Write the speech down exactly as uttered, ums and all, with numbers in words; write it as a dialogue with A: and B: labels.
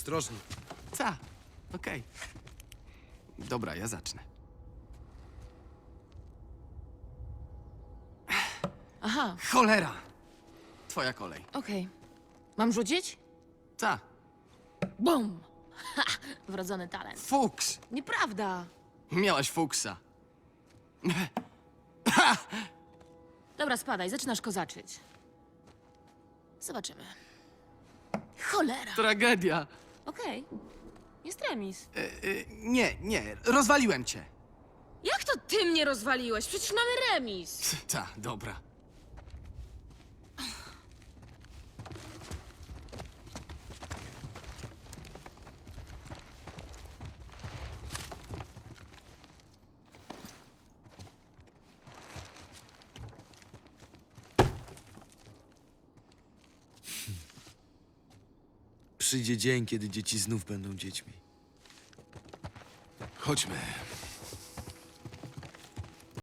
A: ostrożnie.
B: Ta, okej. Dobra, ja zacznę.
C: Aha,
B: Cholera! Twoja kolej.
C: okej. Mam rzucić?
B: Ta,
C: Bum! Ha! Wrodzony talent.
B: fuks!
C: Nieprawda.
B: Miałaś fuksa.
C: Dobra, spadaj, zaczynasz kozaczyć. Zobaczymy. Cholera.
B: Tragedia.
C: Okej. Jest remis.
B: E, e, nie, nie, rozwaliłem cię.
C: Jak to ty mnie rozwaliłeś? Przecież mamy remis.
B: Ta, dobra.
A: Przyjdzie dzień, kiedy dzieci znów będą dziećmi. Chodźmy.